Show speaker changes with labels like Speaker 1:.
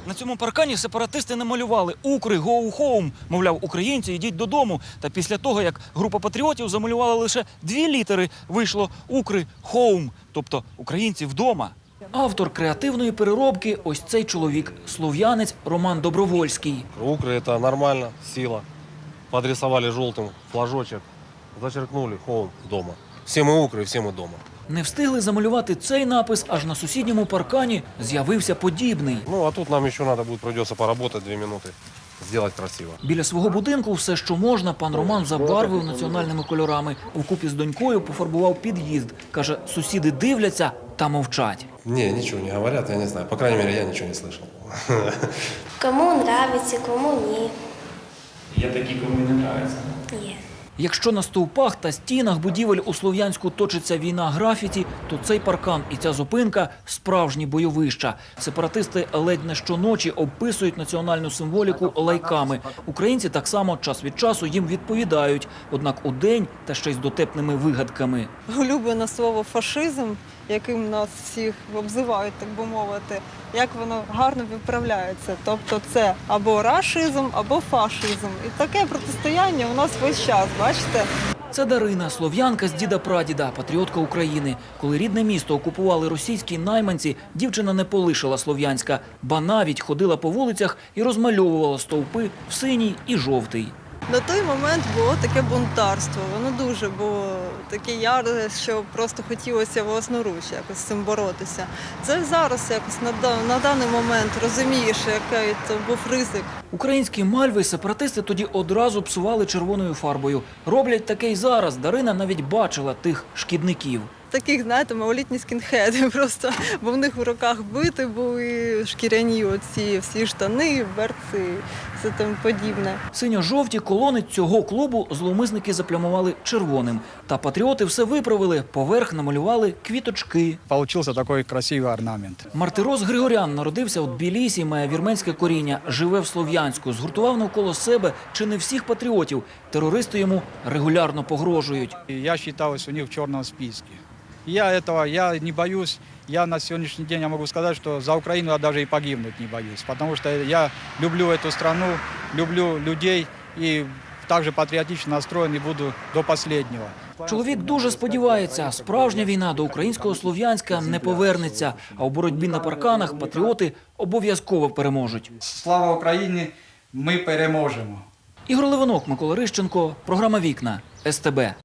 Speaker 1: На цьому паркані сепаратисти намалювали «Укри, go home», мовляв, українці, йдіть додому. Та після того, як група патріотів замалювала лише 2 літери, вийшло «Укри, home», тобто українці вдома. Автор креативної переробки – ось цей чоловік, слов'янець Роман Добровольський.
Speaker 2: Укры – это нормально, сила. Подрисовали желтым флажочек, зачеркнули «Home» дома. Все мы укры, все мы дома.
Speaker 1: Не встигли замалювати цей напис, аж на сусідньому паркані з'явився подібний.
Speaker 2: Ну, а тут нам еще надо будет, придется поработать 2 минуты, сделать красиво.
Speaker 1: Біля свого будинку все, що можна, пан Роман забарвив національними кольорами. Вкупі з донькою пофарбував під'їзд. Каже, сусіди дивляться та мовчать.
Speaker 2: Не, ничего не говорят, я не знаю. По крайней мере, я ничего не слышал.
Speaker 3: Кому нравится, кому ні.
Speaker 1: Є такі, кому не подобається.
Speaker 3: Є.
Speaker 1: Якщо на стовпах та стінах будівель у Слов'янську точиться війна графіті, то цей паркан і ця зупинка – справжні бойовища. Сепаратисти ледь не щоночі описують національну символіку лайками. Українці так само час від часу їм відповідають, однак удень та ще й з дотепними вигадками.
Speaker 4: Улюблене слово «фашизм», яким нас всіх обзивають, так би мовити, як воно гарно виправляється. Тобто це або рашизм, або фашизм. І таке протистояння у нас весь час, бачите?
Speaker 1: Це Дарина, слов'янка з діда-прадіда, патріотка України. Коли рідне місто окупували російські найманці, дівчина не полишила Слов'янська, ба навіть ходила по вулицях і розмальовувала стовпи в синій і жовтий.
Speaker 4: На той момент було таке бунтарство, воно дуже було таке яре, що просто хотілося власноруч якось з цим боротися. Це зараз якось на даний момент розумієш, який це був ризик.
Speaker 1: Українські мальви сепаратисти тоді одразу псували червоною фарбою. Роблять таке й зараз. Дарина навіть бачила тих шкідників.
Speaker 4: Таких, знаєте, малолітні скінхеди просто, бо в них в руках бити були шкіряні оці всі штани, берці, все там подібне.
Speaker 1: Синьо-жовті колони цього клубу зловмисники заплямували червоним. Та патріоти все виправили, поверх намалювали квіточки.
Speaker 5: Получился такой красивый орнамент.
Speaker 1: Мартирос Григорян народився у Тбілісі, має вірменське коріння, живе в Слов'янську, згуртував навколо себе чи не всіх патріотів. Терористи йому регулярно погрожують.
Speaker 5: И я считалась у них в черном списке. Я не боюсь, я на сегодняшний день я могу сказать, что за Украину я даже и погибнуть не боюсь, потому что я люблю эту страну, люблю людей и также патриотично настроен и буду до последнего.
Speaker 1: Чоловік дуже сподівається, справжня війна до українського Слов'янська не повернеться, а у боротьбі на парканах патріоти обов'язково переможуть.
Speaker 5: Слава Україні, ми переможемо.
Speaker 1: Ігор Левинок, Микола Рищенко, програма «Вікна», СТБ.